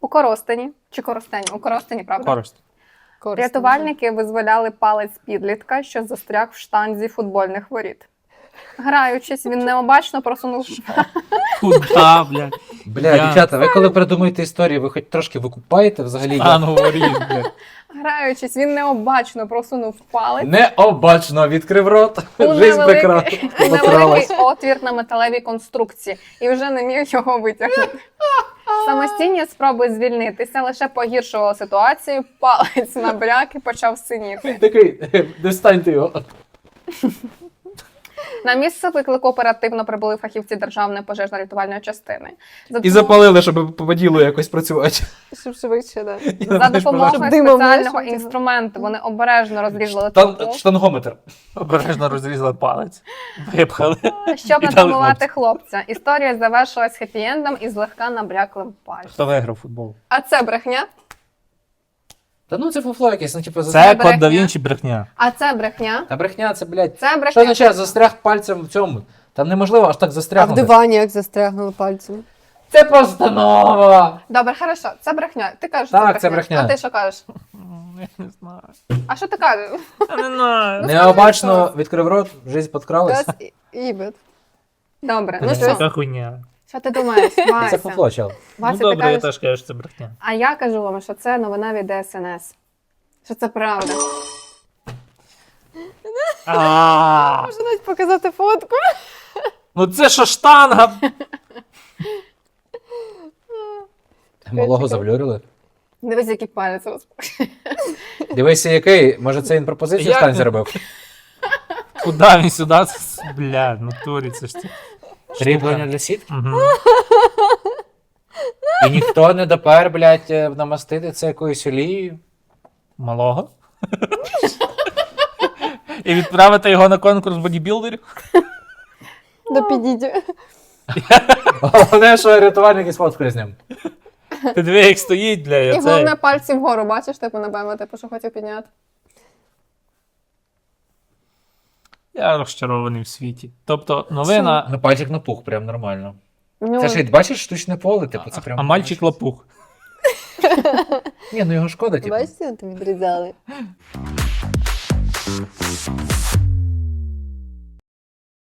У Коростені, чи Коростені? У Коростені, правда? Користь. Рятувальники визволяли палець підлітка, що застряг в штанзі футбольних воріт. Граючись, він необачно просунув Куда, блядь? Бля, дівчата, ви коли придумуєте історії, ви хоч трошки викупаєте взагалі? А, ну говоріть, блядь. Граючись, він необачно просунув палець Необачно відкрив рот. у Жизнь невеликий отвір на металевій конструкції і вже не міг його витягнути. Самостійні спроби звільнитися лише погіршували ситуацію, палець набряк і почав синіти. Такий, достаньте його. На місце виклику оперативно прибули фахівці Державної пожежно-рятувальної частини. І запалили, щоб по ділу якось працювати. Щоб швидше, да. За допомогою Щоб димом не спеціального шуміло. інструменту вони обережно розрізали трубу, Штангометр. Обережно розрізали палець. Випхали. щоб І не дали травмувати хлопця. Історія завершилась хеппі-ендом із злегка набряклим пальцем. Хто виграв футбол? А це брехня? Та ну це фуфло якесь, ну типу Це брехня. Код да Вінчі брехня. А це брехня? Та брехня, це, блядь. Це Що брехня. означає застряг пальцем в цьому? Там неможливо аж так А в застрягнути. дивані як застрягнули пальцем. Це постанова! Добре, хорошо, це брехня. Ти кажеш, Так, це брехня. А ти що кажеш? Я не знаю. А що ти кажеш? Я не знаю. Необачно відкрив рот, жизнь подкралась. Раз і бит. Добре, ну Це Це що? така хуйня. Що ти думаєш, Це Вася? фуфло, чел. Вася, Ну ти добре, я кажеш, теж кажу, що це брехня. а я кажу вам, що це новина від ДСНС. Що це правда. Можна навіть показати фотку. Ну це що штанга? Малого завлюрили. Дивись, який палець розпущений. Дивися, який. Може, це він пропозицію Як стань ти? зробив? Куда він сюди? Бля, в натурі це ж ти. Кріплення для сітки. Угу. І ніхто не допер, блядь, намастити це якоюсь олією. Малого. І відправити його на конкурс бодібілдерів. До підійдю. Головне, що рятувальники сфоткали з ним. Ти диви, як стоїть, бля, І я головне це. пальці вгору, бачиш, типу, напевно, типу, що хотів підняти. Я розчарований в світі. Тобто новина, Ну, пальчик напух, прям нормально. Ну, Це ж, бачиш, штучне поле, типу, це прям... а мальчик лопух. Ні, ну його шкода, типу. Бачите, там відрізали.